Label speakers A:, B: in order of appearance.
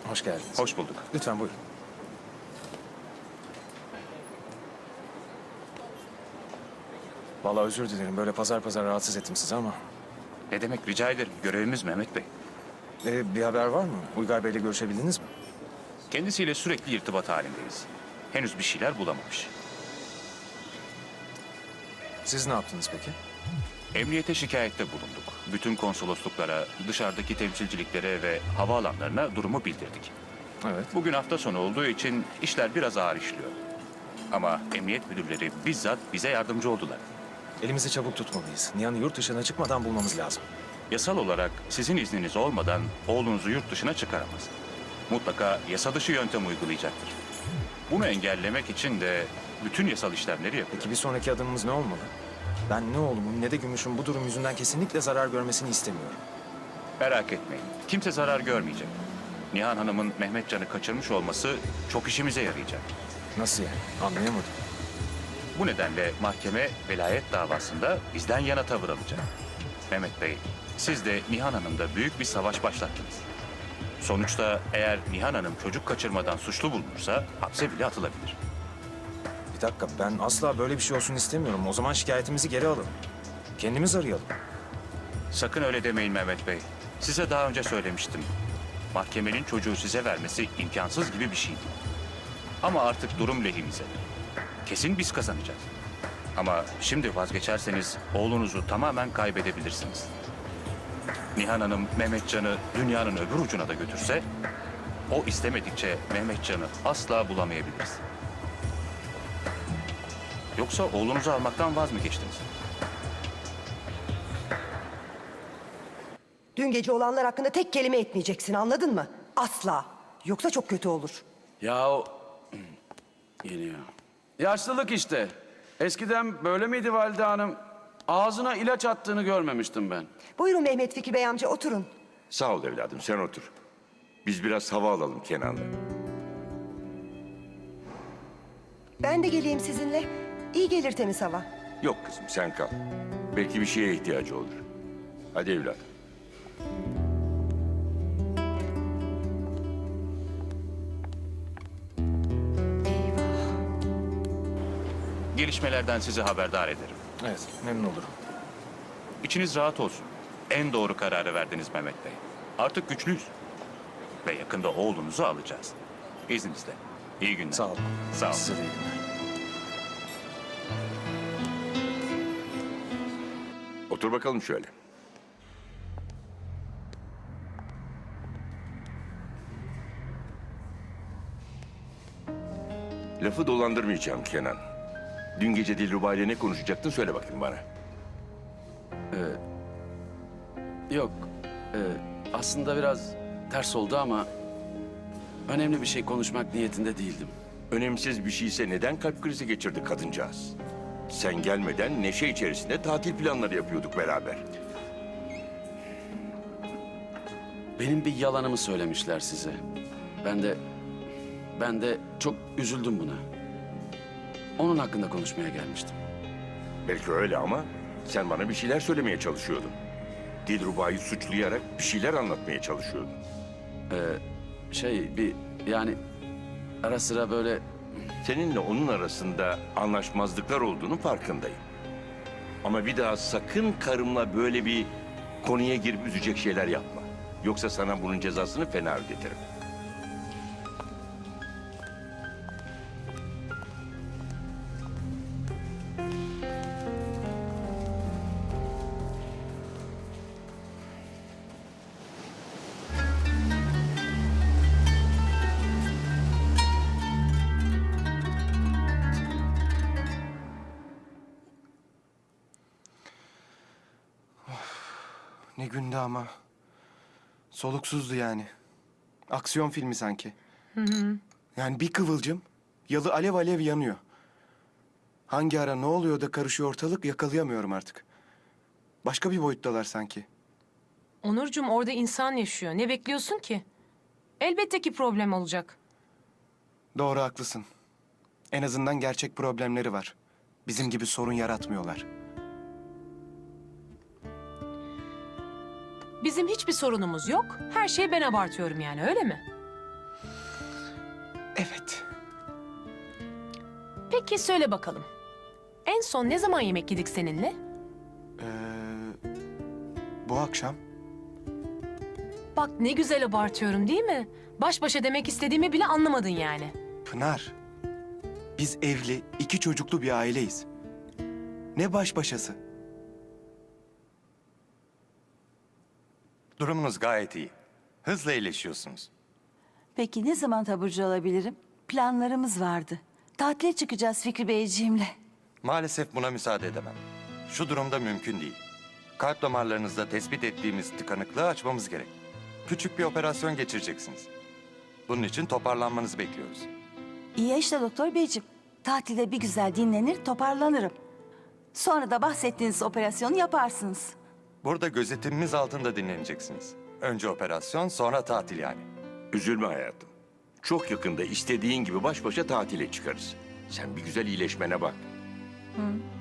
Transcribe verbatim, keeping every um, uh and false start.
A: Hoş geldiniz.
B: Hoş bulduk.
A: Lütfen buyurun. Vallahi özür dilerim. Böyle pazar pazar rahatsız ettim sizi ama...
B: Ne demek, rica ederim. Görevimiz Mehmet Bey.
A: Ee, bir haber var mı? Uygar Bey'le görüşebildiniz mi?
B: Kendisiyle sürekli irtibat halindeyiz. Henüz bir şeyler bulamamış.
A: Siz ne yaptınız peki?
B: Emniyete şikayette bulunduk. Bütün konsolosluklara, dışarıdaki temsilciliklere ve havaalanlarına durumu bildirdik.
A: Evet.
B: Bugün hafta sonu olduğu için işler biraz ağır işliyor. Ama emniyet müdürleri bizzat bize yardımcı oldular.
A: Elimizi çabuk tutmalıyız. Nihan'ı yurt dışına çıkmadan bulmamız lazım.
B: Yasal olarak sizin izniniz olmadan oğlunuzu yurt dışına çıkaramaz. Mutlaka yasa dışı yöntem uygulayacaktır. Bunu engellemek için de bütün yasal işlemleri yapıyor.
A: Peki bir sonraki adımımız ne olmalı? Ben ne oğlumun ne de Gümüş'ün bu durum yüzünden kesinlikle zarar görmesini istemiyorum.
B: Merak etmeyin. Kimse zarar görmeyecek. Nihan Hanım'ın Mehmetcan'ı kaçırmış olması çok işimize yarayacak.
A: Nasıl yani? Anlayamadım.
B: Bu nedenle mahkeme velayet davasında bizden yana tavır alacak. Mehmet Bey, siz de Nihan Hanım'da büyük bir savaş başlattınız. Sonuçta eğer Nihan Hanım çocuk kaçırmadan suçlu bulunursa hapse bile atılabilir.
A: Bir dakika, ben asla böyle bir şey olsun istemiyorum. O zaman şikayetimizi geri alalım. Kendimiz arayalım.
B: Sakın öyle demeyin Mehmet Bey. Size daha önce söylemiştim. Mahkemenin çocuğu size vermesi imkansız gibi bir şeydi. Ama artık durum lehimize. Kesin biz kazanacağız. Ama şimdi vazgeçerseniz oğlunuzu tamamen kaybedebilirsiniz. Nihan Hanım Mehmetcan'ı dünyanın öbür ucuna da götürse, o istemedikçe Mehmetcan'ı asla bulamayabiliriz. Yoksa oğlunuzu almaktan vaz mı geçtiniz?
C: Dün gece olanlar hakkında tek kelime etmeyeceksin, anladın mı? Asla. Yoksa çok kötü olur.
D: Ya o... Geliyor. Yaşlılık işte. Eskiden böyle miydi Valide Hanım? Ağzına ilaç attığını görmemiştim ben.
C: Buyurun Mehmet Fikri Bey amca, oturun.
E: Sağ ol evladım, sen otur. Biz biraz hava alalım Kenan'la.
C: Ben de geleyim sizinle. İyi gelir temiz hava.
E: Yok kızım, sen kal. Belki bir şeye ihtiyacı olur. Hadi evladım.
B: Gelişmelerden sizi haberdar ederim.
A: Evet, memnun olurum.
B: İçiniz rahat olsun. En doğru kararı verdiniz Mehmet Bey. Artık güçlüyüz. Ve yakında oğlunuzu alacağız. İzninizle. İyi günler.
A: Sağ olun.
B: Sağ olun.
A: Size de iyi günler.
E: Otur bakalım şöyle. Lafı dolandırmayacağım Kenan. Dün gece Dilruba ile ne konuşacaktın söyle bakayım bana.
D: Yok. e, aslında biraz ters oldu ama... önemli bir şey konuşmak niyetinde değildim.
E: Önemsiz bir şeyse neden kalp krizi geçirdi kadıncağız? Sen gelmeden neşe içerisinde tatil planları yapıyorduk beraber.
D: Benim bir yalanımı söylemişler size. Ben de... Ben de çok üzüldüm buna. Onun hakkında konuşmaya gelmiştim.
E: Belki öyle ama sen bana bir şeyler söylemeye çalışıyordun. Dilruba'yı suçlayarak bir şeyler anlatmaya çalışıyordun.
D: Şey bir yani ara sıra böyle
E: Seninle onun arasında anlaşmazlıklar olduğunu farkındayım. Ama bir daha sakın karımla böyle bir konuya girip üzecek şeyler yapma. Yoksa sana bunun cezasını fena ödetirim.
F: Ne gündü ama. Soluksuzdu yani. Aksiyon filmi sanki. Yani bir kıvılcım, yalı alev alev yanıyor. Hangi ara ne oluyor da karışıyor ortalık yakalayamıyorum artık. Başka bir boyuttalar sanki.
G: Onurcuğum, orada insan yaşıyor. Ne bekliyorsun ki? Elbette ki problem olacak.
F: Doğru, haklısın. En azından gerçek problemleri var. Bizim gibi sorun yaratmıyorlar.
G: Bizim hiçbir sorunumuz yok. Her şeyi ben abartıyorum yani, öyle mi? Peki söyle bakalım. En son ne zaman yemek yedik seninle?
F: Ee, bu akşam.
G: Bak ne güzel abartıyorum değil mi? Baş başa demek istediğimi bile anlamadın yani.
F: Pınar, biz evli, iki çocuklu bir aileyiz. Ne baş başası?
H: Durumunuz gayet iyi. Hızla iyileşiyorsunuz.
I: Peki ne zaman taburcu olabilirim? Planlarımız vardı. Tatile çıkacağız Fikri Beyciğimle.
H: Maalesef buna müsaade edemem. Şu durumda mümkün değil. Kalp damarlarınızda tespit ettiğimiz tıkanıklığı açmamız gerek. Küçük bir operasyon geçireceksiniz. Bunun için toparlanmanızı bekliyoruz.
I: İyi ya işte doktor beyciğim. Tatilde bir güzel dinlenir, toparlanırım. Sonra da bahsettiğiniz operasyonu yaparsınız.
H: Burada gözetimimiz altında dinleneceksiniz. Önce operasyon, sonra tatil yani.
E: Üzülme hayatım. Çok yakında istediğin gibi baş başa tatile çıkarız. Sen bir güzel iyileşmene bak.
I: Hı.